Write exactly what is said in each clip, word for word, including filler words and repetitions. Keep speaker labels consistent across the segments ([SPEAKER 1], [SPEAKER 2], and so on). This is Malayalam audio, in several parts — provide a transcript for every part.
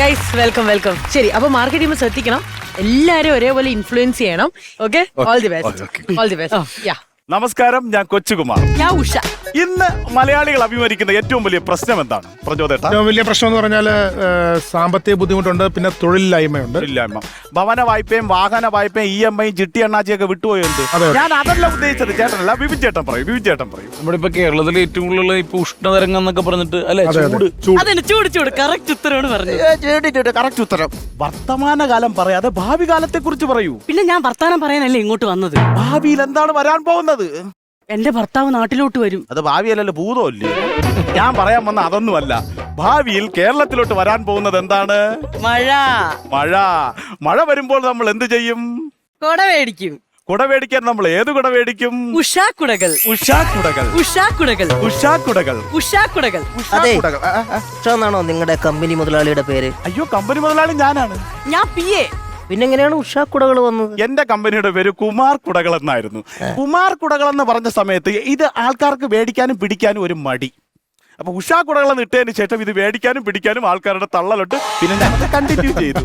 [SPEAKER 1] Guys welcome welcome. ശരി, അപ്പൊ മാർക്കറ്റ് ചെയ്യുമ്പോൾ ശ്രദ്ധിക്കണം, എല്ലാരും ഒരേപോലെ ഇൻഫ്ലുവൻസ് ചെയ്യണം. Okay, all the best, all the best. Ya,
[SPEAKER 2] നമസ്കാരം, ഞാൻ കൊച്ചുകുമാർ.
[SPEAKER 1] ഞാൻ ഉഷ.
[SPEAKER 2] ഇന്ന് മലയാളികൾ അഭിമുഖീകരിക്കുന്ന ഏറ്റവും വലിയ പ്രശ്നം എന്താണ് പ്രചോദേട്ട?
[SPEAKER 3] ഏറ്റവും വലിയ പ്രശ്നം എന്ന് പറഞ്ഞാൽ സാമ്പത്തിക ബുദ്ധിമുട്ടുണ്ട്, പിന്നെ തൊഴിലില്ലായ്മയുണ്ട്.
[SPEAKER 2] തൊഴിലില്ലായ്മ, ഭവന വായ്പയും വാഹന വായ്പയും ഇ എം ഐ ചിട്ടി എണ്ണാച്ചിയൊക്കെ വിട്ടുപോയുണ്ട്. ഞാൻ അതല്ല ഉദ്ദേശിച്ചത്, ചേട്ടനല്ല, വിപിൻ ചേട്ടൻ പറയും. വിപിൻ ചേട്ടൻ പറയും
[SPEAKER 4] നമ്മുടെ ഇപ്പൊ കേരളത്തിൽ ഏറ്റവും കൂടുതൽ ഇപ്പൊ ഉഷ്ണതരംഗം എന്നൊക്കെ പറഞ്ഞിട്ട് അല്ലെ, ചൂട്
[SPEAKER 1] അതിന് ചൂട് ചൂട് കറക്റ്റ് ഉത്തരവാണ് പറഞ്ഞത്.
[SPEAKER 2] കറക്റ്റ് ഉത്തരം. വർത്തമാനകാലം പറയാതെ ഭാവി കാലത്തെ കുറിച്ച് പറയൂ.
[SPEAKER 1] പിന്നെ ഞാൻ വർത്താനം പറയാനല്ലേ ഇങ്ങോട്ട് വന്നത്.
[SPEAKER 2] ഭാവിയിൽ എന്താണ് വരാൻ പോകുന്നത്?
[SPEAKER 1] എന്റെ ഭർത്താവ് നാട്ടിലോട്ട് വരും.
[SPEAKER 2] അത് ഭാവിയല്ലല്ലോ, ഭൂതമല്ലേ. ഞാൻ പറയാൻ വന്ന അതൊന്നുമല്ല. ഭാവിയിൽ കേരളത്തിലോട്ട് വരാൻ പോകുന്നത് എന്താണ്?
[SPEAKER 1] മഴ.
[SPEAKER 2] മഴ. മഴ വരുമ്പോൾ നമ്മൾ എന്ത് ചെയ്യും?
[SPEAKER 1] കൊട മേടിക്കും.
[SPEAKER 2] കുട മേടിക്കാൻ നമ്മൾ ഏത് കുട മേടിക്കും?
[SPEAKER 1] ഉഷാക്കുടകൾ.
[SPEAKER 2] ഉഷാക്കുടകൾ.
[SPEAKER 1] ഉഷാക്കുടകൾ.
[SPEAKER 2] ഉഷാക്കുടകൾ.
[SPEAKER 1] ഉഷാക്കുടകൾ.
[SPEAKER 5] അതെ,
[SPEAKER 2] ഉഷാക്കുടകൾ. ആ, ആ.
[SPEAKER 5] ഉഷാന്നാണോ നിങ്ങളുടെ കമ്പനി മുതലാളിയുടെ പേര്?
[SPEAKER 2] അയ്യോ, കമ്പനി മുതലാളി ഞാനാണ്.
[SPEAKER 1] ഞാൻ പി എ.
[SPEAKER 5] പിന്നെങ്ങനെയാണ് ഉഷാക്കുടകൾ വന്നത്?
[SPEAKER 2] എന്റെ കമ്പനിയുടെ പേര് കുമാർ കുടകൾ എന്നായിരുന്നു. കുമാർ കുടകൾ എന്ന് പറഞ്ഞ സമയത്ത് ഇത് ആൾക്കാർക്ക് മേടിക്കാനും പിടിക്കാനും ഒരു മടി. അപ്പൊ ഉഷാ കുടകൾ എന്ന് ഇട്ടതിന് ശേഷം ഇത് മേടിക്കാനും പിടിക്കാനും ആൾക്കാരുടെ തള്ളലോട്ട് പിന്നെ ഞങ്ങൾ കണ്ടിന്യൂ ചെയ്തു.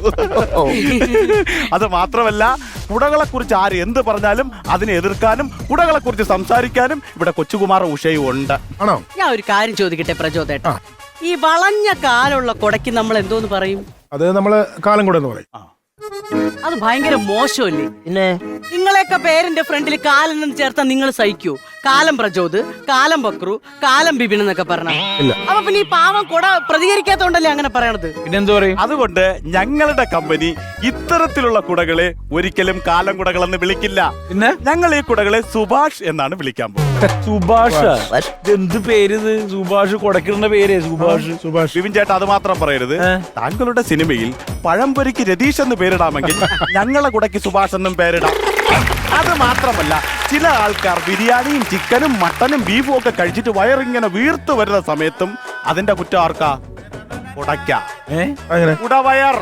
[SPEAKER 2] അത് മാത്രമല്ല, കുടകളെ കുറിച്ച് ആര് എന്ത് പറഞ്ഞാലും അതിനെ എതിർക്കാനും കുടകളെ കുറിച്ച് സംസാരിക്കാനും ഇവിടെ കൊച്ചുകുമാർ ഉഷയും ഉണ്ട്.
[SPEAKER 3] ആണോ?
[SPEAKER 1] ഞാൻ ഒരു കാര്യം ചോദിക്കട്ടെ പ്രചോദേട്ട, ഈ വളഞ്ഞ കാലുള്ള കൊടയ്ക്ക് നമ്മൾ എന്തോന്ന് പറയും?
[SPEAKER 3] അത് നമ്മള് കാലം കൂടെ എന്ന് പറയും.
[SPEAKER 1] അത് ഭയങ്കര മോശമല്ലേ?
[SPEAKER 5] പിന്നെ
[SPEAKER 1] നിങ്ങളെയൊക്കെ പേരിന്റെ ഫ്രണ്ടിൽ കാലെന്നും ചേർത്താൽ നിങ്ങൾ സഹിക്കൂ? കാലം പ്രചോദ്, കാലം ബക്രു, കാലം ബിബിൻ എന്നൊക്കെ പറഞ്ഞ അപ്പൊ പിന്നെ ഈ പാവം കൊട പ്രതികരിക്കാത്തോണ്ടല്ലേ അങ്ങനെ പറയണത്?
[SPEAKER 4] പിന്നെന്താ പറയും?
[SPEAKER 2] അതുകൊണ്ട് ഞങ്ങളുടെ കമ്പനി ഇത്തരത്തിലുള്ള കുടകളെ ഒരിക്കലും കാലം കുടകളെന്ന് വിളിക്കില്ല.
[SPEAKER 4] പിന്നെ
[SPEAKER 2] ഞങ്ങൾ ഈ കുടകളെ സുഭാഷ് എന്നാണ് വിളിക്കാൻ പോകുന്നത്.
[SPEAKER 4] സുഭാഷ്. എന്ത് പേര് ഇത്? സുഭാഷ് കൊടക്കിടുന്ന പേര് സുഭാഷ്.
[SPEAKER 3] സുഭാഷ്.
[SPEAKER 2] വിപിൻ ചേട്ടാ, അത് മാത്രം പറയരുത്. താങ്കളുടെ സിനിമയിൽ പഴംപൊരിക്ക് രതീഷ് എന്ന് പേരിടാമെങ്കിൽ ഞങ്ങളെ കുടയ്ക്ക് സുഭാഷ് എന്നും പേരിടാം. അത് മാത്രമല്ല, ചില ആൾക്കാർ ബിരിയാണിയും ചിക്കനും മട്ടനും ബീഫും ഒക്കെ കഴിച്ചിട്ട് വയറിങ്ങനെ വീർത്തു വരുന്ന സമയത്തും അതിന്റെ കുറ്റം ആർക്കാ? കുടയ്ക്ക. കുടവയർ.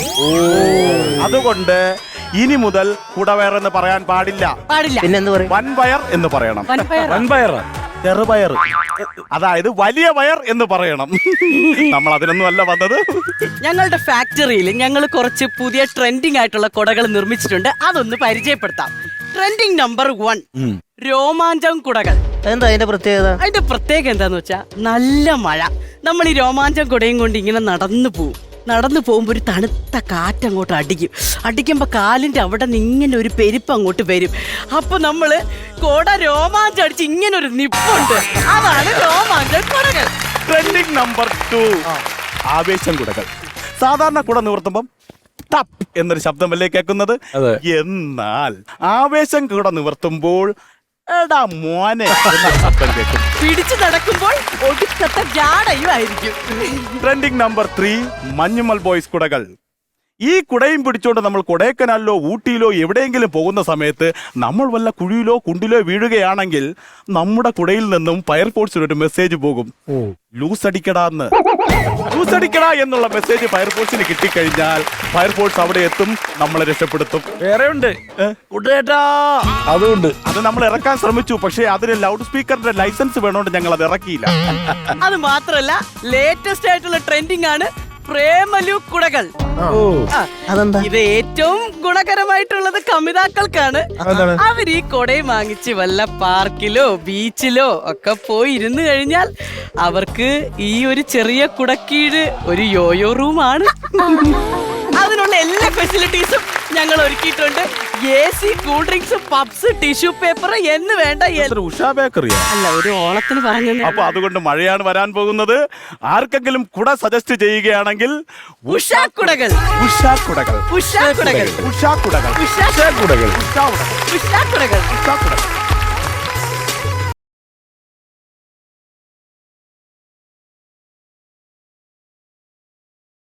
[SPEAKER 2] അതുകൊണ്ട് ഇനി മുതൽ കുടവയർ എന്ന് പറയാൻ പാടില്ല.
[SPEAKER 1] പാടില്ല.
[SPEAKER 5] പിന്നെന്ത് പറയും?
[SPEAKER 2] വൻപയർ എന്ന് പറയണം.
[SPEAKER 4] വൻപയർ.
[SPEAKER 2] ചെറുപയർ, അതായത് വലിയ വയർ എന്ന് പറയണം. നമ്മൾ അതിനൊന്നും അല്ല വന്നത്.
[SPEAKER 1] ഞങ്ങളുടെ ഫാക്ടറിയിൽ ഞങ്ങൾ കുറച്ച് പുതിയ ട്രെൻഡിങ് ആയിട്ടുള്ള കൊടകൾ നിർമ്മിച്ചിട്ടുണ്ട്. അതൊന്ന് പരിചയപ്പെടുത്താം. ട്രെൻഡിങ് നമ്പർ വൺ, രോമാഞ്ചം കുടകൾ.
[SPEAKER 5] എന്താ അതിന്റെ പ്രത്യേകത?
[SPEAKER 1] അതിന്റെ പ്രത്യേകത എന്താന്ന് വെച്ചാ, നല്ല മഴ, നമ്മൾ ഈ രോമാഞ്ചം കുടയും കൊണ്ട് ഇങ്ങനെ നടന്നു പോവും. നടന്നു പോകുമ്പോൾ ഒരു തണുത്ത കാറ്റങ്ങോട്ട് അടിക്കും. അടിക്കുമ്പോൾ കാലിൻ്റെ അവിടെ നിന്ന് ഇങ്ങനെ ഒരു പെരുപ്പ് അങ്ങോട്ട് വരും. അപ്പൊ നമ്മള് കൊട രോമാഞ്ചം അടിച്ച് ഇങ്ങനെ ഒരു നിപ്പുണ്ട്. അതാണ് രോമാഞ്ചം കുടകൾ.
[SPEAKER 2] ട്രെൻഡിങ് നമ്പർ ടു, ആവേശം കുടകൾ. സാധാരണ കുട നിവർത്തുമ്പം ടപ്പ് എന്നൊരു ശബ്ദമല്ലേ കേൾക്കുന്നത്? എന്നാൽ ആവേശം കുട നിവർത്തുമ്പോൾ എടാ മോനെ എന്ന ശബ്ദം കേൾക്കും.
[SPEAKER 1] പിടിച്ചു നടക്കുമ്പോൾ ഒടുക്കത്തെ ജാടയും ആയിരിക്കും.
[SPEAKER 2] Trending number three, Manjummel boys കുടകൾ. ഈ കുടയും പിടിച്ചോണ്ട് നമ്മൾ കൊടൈക്കനാലിലോ ഊട്ടിയിലോ എവിടെയെങ്കിലും പോകുന്ന സമയത്ത് നമ്മൾ വല്ല കുഴിയിലോ കുണ്ടിലോ വീഴുകയാണെങ്കിൽ നമ്മുടെ കുടയിൽ നിന്നും ഫയർഫോഴ്സിന് ഒരു മെസ്സേജ് പോകും, ലൂസ് അടിക്കടാന്ന്. ലൂസ് അടിക്കടാ എന്നുള്ള മെസ്സേജ് ഫയർഫോഴ്സിന് കിട്ടിക്കഴിഞ്ഞാൽ ഫയർഫോഴ്സ് അവിടെ എത്തും, നമ്മളെ രക്ഷപ്പെടുത്തും.
[SPEAKER 4] വേറെ ഉണ്ട് കുട്ടേട്ടാ, അതുകൊണ്ട്
[SPEAKER 2] അത് നമ്മൾ ഇറക്കാൻ ശ്രമിച്ചു, പക്ഷേ അതിന് ലൗഡ് സ്പീക്കറിന്റെ ലൈസൻസ് വേണോണ്ട് ഞങ്ങൾ അത് ഇറക്കിയില്ല.
[SPEAKER 1] അത് മാത്രല്ല, ലേറ്റസ്റ്റ് ആയിട്ടുള്ള ട്രെൻഡിങ് ആണ് പ്രേമലു കുടകൾ.
[SPEAKER 5] അതെന്താ?
[SPEAKER 1] ഇത് ഏറ്റവും ഗുണകരമായിട്ടുള്ളത് കമിതാക്കൾക്കാണ്. അവർ ഈ കൊടയും വാങ്ങിച്ച് വല്ല പാർക്കിലോ ബീച്ചിലോ ഒക്കെ പോയി ഇരുന്ന് കഴിഞ്ഞാൽ അവർക്ക് ഈ ഒരു ചെറിയ കുടക്കീഴ് ഒരു യോയോ റൂമാണ്. അതിനുള്ള എല്ലാ ഫെസിലിറ്റീസും ഞങ്ങൾ ഒരുക്കിയിട്ടുണ്ട്. A C, cool drinks, pubs, tissue paper എന്ന് വേണ്ട.
[SPEAKER 2] ഉഷാ ബേക്കറിയാ?
[SPEAKER 1] അല്ല, ഒരു ഓളത്തിന് പറഞ്ഞു.
[SPEAKER 2] അപ്പൊ അതുകൊണ്ട് മഴയാണ് വരാൻ പോകുന്നത്. ആർക്കെങ്കിലും കുട സജസ്റ്റ് ചെയ്യുകയാണെങ്കിൽ
[SPEAKER 1] ഉഷാക്കുടകൾ.
[SPEAKER 2] ഉഷാക്കുടകൾ.
[SPEAKER 1] ഉഷാക്കുടകൾ.
[SPEAKER 2] ഉഷാക്കുടകൾ.
[SPEAKER 1] ഉഷാക്കുടകൾ.
[SPEAKER 2] ഉഷാക്കുടകൾ.
[SPEAKER 1] ഉഷാക്കുടകൾ.
[SPEAKER 2] ഉഷാക്കുടകൾ.